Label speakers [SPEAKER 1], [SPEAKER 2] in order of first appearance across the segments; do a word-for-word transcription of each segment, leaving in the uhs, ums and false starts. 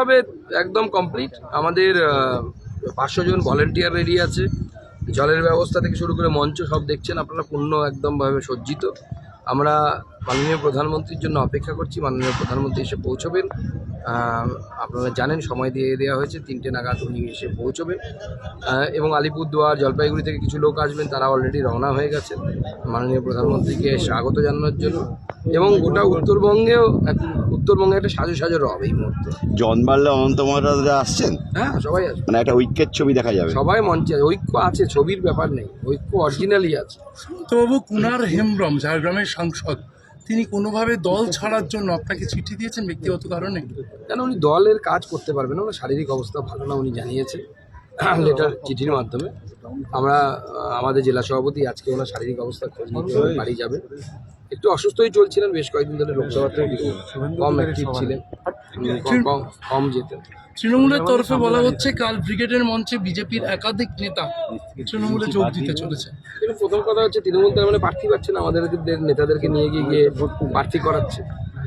[SPEAKER 1] প্রশাসনিকভাবে একদম কমপ্লিট। আমাদের পাঁচশো জন ভলেন্টিয়ার রেডি আছে, জলের ব্যবস্থা থেকে শুরু করে মঞ্চ সব দেখছেন আপনারা, পূর্ণ একদমভাবে সজ্জিত। আমরা মাননীয় প্রধানমন্ত্রীর জন্য অপেক্ষা করছি, মাননীয় প্রধানমন্ত্রী এসে পৌঁছবেন। আপনারা জানেন সময় দিয়ে দেওয়া হয়েছে, তিনটে নাগাদ উনি এসে পৌঁছবেন। এবং আলিপুরদুয়ার, জলপাইগুড়ি থেকে কিছু লোক আসবেন, তারা অলরেডি রওনা হয়ে গেছেন মাননীয় প্রধানমন্ত্রীকে স্বাগত জানানোর জন্য। এবং গোটা উত্তরবঙ্গেও উত্তরবঙ্গে একটা সাজো সাজো রব এই মুহূর্তে।
[SPEAKER 2] জন বাড়লে অনন্ত মহারাজরা আসছেন,
[SPEAKER 1] হ্যাঁ সবাই আসবে,
[SPEAKER 2] মানে একটা ঐক্যের ছবি দেখা যাবে।
[SPEAKER 1] সবাই মঞ্চে, ঐক্য আছে, ছবির ব্যাপার নেই, ঐক্য অরিজিনালি আছে।
[SPEAKER 3] তো বাবু, কুনার হেমব্রম ঝাড়গ্রামের সাংসদ, তিনি কোনোভাবে দল ছাড়ার জন্য আপনাকে চিঠি দিয়েছেন ব্যক্তিগত কারণে?
[SPEAKER 1] কেন, উনি দলের কাজ করতে পারবেন না, ওনার শারীরিক অবস্থা ভালো না, উনি জানিয়েছেন লেটার চিঠির মাধ্যমে। আমরা আমাদের জেলা সভাপতি আজকে ওনার শারীরিক অবস্থা খোঁজ নিতে বাড়ি যাবেন। একটু অসুস্থই চলছিলেন, বেশ কয়েকদিন ধরে লোকসভাতে কম অ্যাক্টিভ ছিলেন, কম কম যেতেন।
[SPEAKER 3] তৃণমূলের তরফে বলা হচ্ছে কাল ব্রিগেডের মঞ্চে বিজেপির একাধিক নেতা তৃণমূলে যোগ দিতে চলেছে।
[SPEAKER 1] কিন্তু প্রথম কথা হচ্ছে তৃণমূল তার মানে প্রার্থী পাচ্ছে না, আমাদের নেতাদেরকে নিয়ে গিয়ে গিয়ে প্রার্থী করাচ্ছে,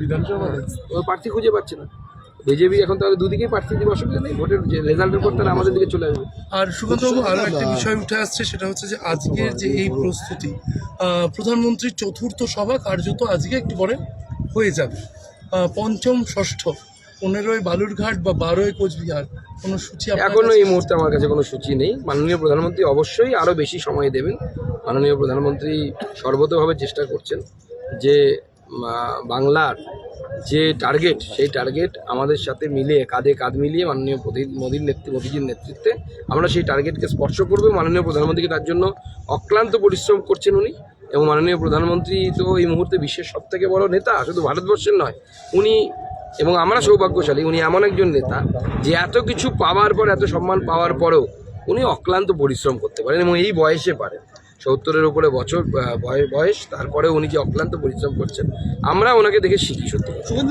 [SPEAKER 1] ও প্রার্থী খুঁজে পাচ্ছে না। বিজেপি এখন তাহলে দুদিকেই প্রার্থী দিবে, অসুবিধা নেই, ভোটের যে রেজাল্টের পর তারা আমাদের দিকে চলে আসবে।
[SPEAKER 3] আর সুকান্তবাবু, আরও একটা বিষয় উঠে আসছে, সেটা হচ্ছে যে আজকের যে এই প্রস্তুতি, প্রধানমন্ত্রীর চতুর্থ সভা কার্যত আজকে একটু পরে হয়ে যাবে। পঞ্চম, ষষ্ঠ, পনেরোই বালুরঘাট বা বারোই কোচবিহার, কোনো সূচি
[SPEAKER 1] এখনো এই মুহূর্তে আমার কাছে কোনো সূচি নেই। মাননীয় প্রধানমন্ত্রী অবশ্যই আরও বেশি সময় দেবেন। মাননীয় প্রধানমন্ত্রী সর্বতোভাবে চেষ্টা করছেন যে বাংলার যে টার্গেট, সেই টার্গেট আমাদের সাথে মিলিয়ে, কাঁধে কাঁধ মিলিয়ে মাননীয় মোদীর নেতৃত্বে মোদীজির নেতৃত্বে আমরা সেই টার্গেটকে স্পর্শ করবো। মাননীয় প্রধানমন্ত্রীকে তার জন্য অক্লান্ত পরিশ্রম করছেন উনি। এবং মাননীয় প্রধানমন্ত্রী তো এই মুহূর্তে বিশ্বের সবথেকে বড় নেতা, শুধু ভারতবর্ষের নয়। উনি এবং আমরা সৌভাগ্যশালী, উনি এমন একজন নেতা যে এত কিছু পাওয়ার পর, এত সম্মান পাওয়ার পরেও উনি অক্লান্ত পরিশ্রম করতে পারেন এবং এই বয়সে পারেন। সত্তরের উপরে বছর বয়স, তারপরে উনি যে অক্লান্ত পরিশ্রম করছেন, আমরা ওনাকে দেখে শিখি। সত্যি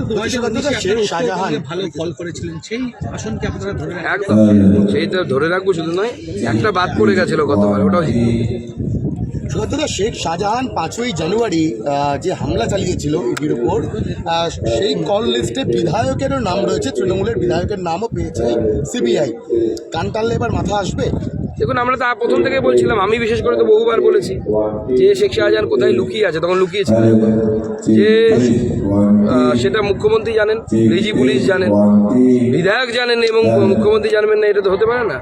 [SPEAKER 1] একদম, সেইটা ধরে রাখবো শুধু নয়, একটা বাদ পড়ে গেছিল গতবার, ওটাও
[SPEAKER 4] সুগন্ধদা, শেখ শাহজাহান পাঁচই জানুয়ারি যে হামলা চালিয়েছিল ইডির উপর, সেই কল লিস্টে বিধায়কেরও নাম রয়েছে, তৃণমূলের বিধায়কের নামও পেয়েছে সিবিআই। কান টানলে এবার মাথা আসবে?
[SPEAKER 1] দেখুন, আমরা তা প্রথম থেকে বলছিলাম, আমি বিশেষ করে তো বহুবার বলেছি যে শেখ শাহজাহান কোথায় লুকিয়ে আছে, তখন লুকিয়েছিল যে সেটা মুখ্যমন্ত্রী জানেন, ডিজি পুলিশ জানেন, বিধায়ক জানেন এবং মুখ্যমন্ত্রী জানবেন না, এটা তো হতে পারে না।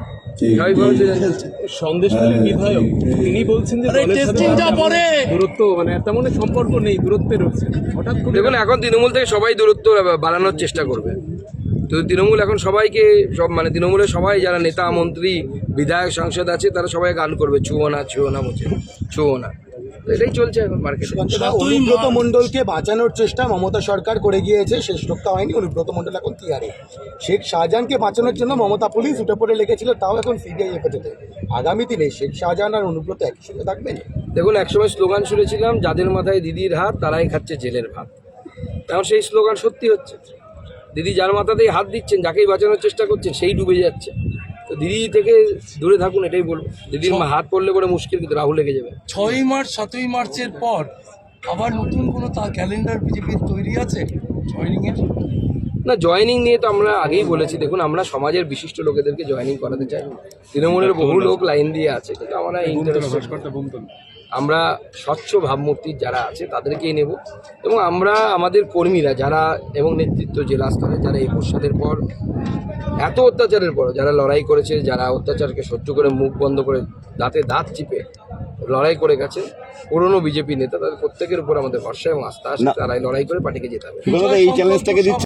[SPEAKER 5] সন্দেশখালীর বিধায়ক তিনি বলছেন যে দূরত্ব, মানে তেমন সম্পর্ক নেই, দূরত্বে রয়েছে। হঠাৎ করে
[SPEAKER 1] দেখুন, এখন তৃণমূল থেকে সবাই দূরত্ব বাড়ানোর চেষ্টা করবে। তো তৃণমূল এখন সবাইকে সব, মানে তৃণমূলের সবাই যারা নেতা, মন্ত্রী, বিধায়ক, সাংসদ আছে, তারা সবাই গান করবে ছুঁয়ো না, ছুঁয়ো না, বলছে ছুঁয়ো না। এটাই চলছে এখন মার্কেটে।
[SPEAKER 4] অনুব্রত মণ্ডলকে বাঁচানোর চেষ্টা মমতা সরকার করে গিয়েছে, শেষ রক্ষা হয়নি। অনুব্রত মণ্ডল এখন তিহারে। শেখ শাহজাহানকে বাঁচানোর জন্য মমতা পুলিশ উঠে পড়ে লেগেছিল, তাও এখন সিবিআই হেফাজতে। আগামী দিনে শেখ শাহজাহান আর অনুব্রত একই সঙ্গে থাকবেন?
[SPEAKER 1] দেখুন, একসময় স্লোগান শুনেছিলাম, যাদের মাথায় দিদির হাত তারাই খাচ্ছে জেলের ভাত। এখন সেই স্লোগান সত্যি হচ্ছে। দিদি যার মাথাতেই হাত দিচ্ছেন, যাকেই বাঁচানোর চেষ্টা করছেন, সেই ডুবে যাচ্ছে। তো দিদি থেকে দূরে থাকুন, এটাই বলবো। দিদির হাত পড়লে পরে মুশকিল, কিন্তু রাহুল লেগে যাবে।
[SPEAKER 3] ছয়ই মার্চ, সাতই মার্চের পর আবার নতুন কোনো তা ক্যালেন্ডার বিজেপির তৈরি আছে জয়েনিংয়ের?
[SPEAKER 1] না, জয়েনিং নিয়ে তো আমরা আগেই বলেছি। দেখুন, আমরা সমাজের বিশিষ্ট লোকেদেরকে জয়েনিং করাতে চাই। তৃণমূলের বহু লোক লাইন দিয়ে আছে, কিন্তু আমরা আমরা স্বচ্ছ ভাবমূর্তির যারা আছে তাদেরকেই নেব। এবং আমরা আমাদের কর্মীরা যারা এবং নেতৃত্ব জেলা স্তরে যারা একুশ সালের পর এত অত্যাচারের পর যারা লড়াই করেছে, যারা অত্যাচারকে সহ্য করে মুখ বন্ধ করে দাঁতে দাঁত চিপে লড়াই করে গেছে, পুরনো বিজেপি নেতা, তাদের প্রত্যেকের উপর আমাদের ভরসা এবং আস্থা আছে। তারাই লড়াই করে পার্টিকে জেতাবে।
[SPEAKER 2] এই চ্যালেঞ্জটাকে